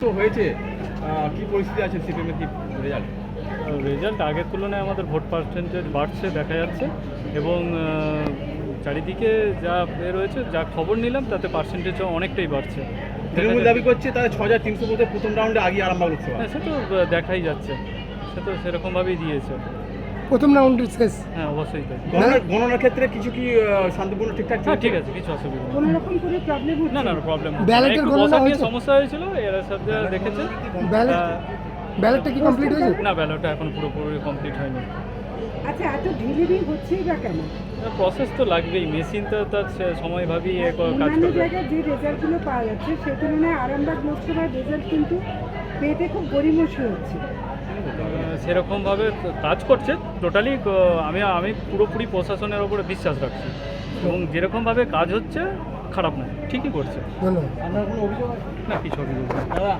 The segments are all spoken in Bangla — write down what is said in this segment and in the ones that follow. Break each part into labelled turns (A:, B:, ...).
A: তো হয়েছে, কি পরিস্থিতি আছে সিপিএমের কি রেজাল্ট?
B: রেজাল্ট আগের তুলনায় আমাদের ভোট পার্সেন্টেজ বাড়ছে দেখা যাচ্ছে, এবং চারিদিকে যা রয়েছে, যা খবর নিলাম তাতে পার্সেন্টেজও অনেকটাই বাড়ছে।
A: তৃণমূল দাবি করছে তাদের 6,300 ভোটে প্রথম রাউন্ডে আগে আরামবাগ লোকসভা।
B: হ্যাঁ, সে তো দেখাই যাচ্ছে, সে তো সেরকমভাবেই দিয়েছে।
C: প্রথম রাউন্ডের শেষ।
B: হ্যাঁ, অবশ্যই তাই।
A: গণনার ক্ষেত্রে কিছু কি শান্তিপূর্ণ ঠিকঠাক
B: হ্যাঁ,
A: চলছে?
B: ঠিক আছে, কিছু অসুবিধা নেই।
D: কোনো রকম কোনো প্রবলেম
B: না না প্রবলেম
C: ব্যালটের গণনা
B: নিয়ে
C: হয়েছে?
B: সমস্যা হয়েছিল, এরা সব যা দেখেছে।
C: ব্যালটটা কি কমপ্লিট হয়েছে?
B: না, ব্যালটটা এখন পুরোপুরি কমপ্লিট হয়নি।
D: আচ্ছা, এত ঢিলিবি হচ্ছেই বা কেন?
B: প্রসেস তো লাগবেই, মেশিন তো তার সময়ভাবেই কাজ
D: অন্যান্য
B: করবে।
D: জায়গায় যে রেজাল্টগুলো পাওয়া যাচ্ছে সে তুলনায় আরামবাগ লোকসভার রেজাল্ট কিন্তু পেতে খুব গড়িমসি হচ্ছে।
B: সেরকমভাবে কাজ করছে টোটালি। আমি পুরোপুরি প্রশাসনের ওপরে বিশ্বাস রাখছি, এবং যেরকমভাবে কাজ হচ্ছে খারাপ না, ঠিকই করছে।
C: ধন্যবাদ।
A: আপনার কোনো অভিযোগ আছে?
B: না, কিছু অভিযোগ নেই।
A: দাদা,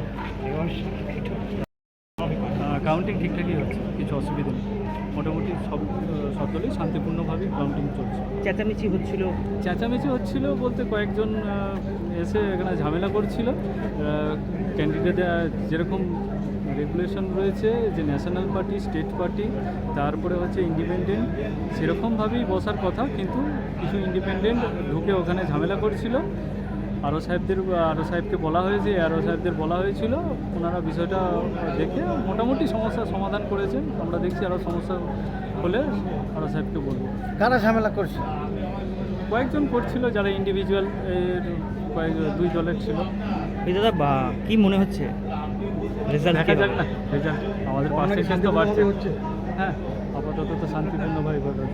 B: কাউন্টিং ঠিকঠাকই হচ্ছে, কিছু অসুবিধা নেই। মোটামুটি সব দলই শান্তিপূর্ণভাবেই কাউন্টিং চলছে।
D: চেঁচামেচি
B: চেঁচামেচি হচ্ছিল বলতে কয়েকজন এসে এখানে ঝামেলা করছিল। ক্যান্ডিডেট যেরকম রেগুলেশন রয়েছে যে ন্যাশনাল পার্টি, স্টেট পার্টি, তারপরে হচ্ছে ইন্ডিপেন্ডেন্ট, সেরকমভাবেই বসার কথা, কিন্তু কিছু ইন্ডিপেন্ডেন্ট ঢুকে ওখানে ঝামেলা করছিল। আরও সাহেবকে বলা হয়েছে, সাহেবদের বলা হয়েছিল, ওনারা বিষয়টা দেখে মোটামুটি সমস্যার সমাধান করেছেন। আমরা দেখছি আরও সমস্যা হলে সাহেবকে বলবো।
C: কারা ঝামেলা করছে?
B: কয়েকজন করছিল যারা ইন্ডিভিজুয়াল, দুই দলের ছিল।
E: দাদা কি মনে হচ্ছে রেজাল্ট?
B: দেখা যাক না রেজাল্ট, আমাদের পার্সেন্টেজ তো বাড়ছে। হ্যাঁ, আপাতত তো শান্তিপূর্ণভাবে ঘটে।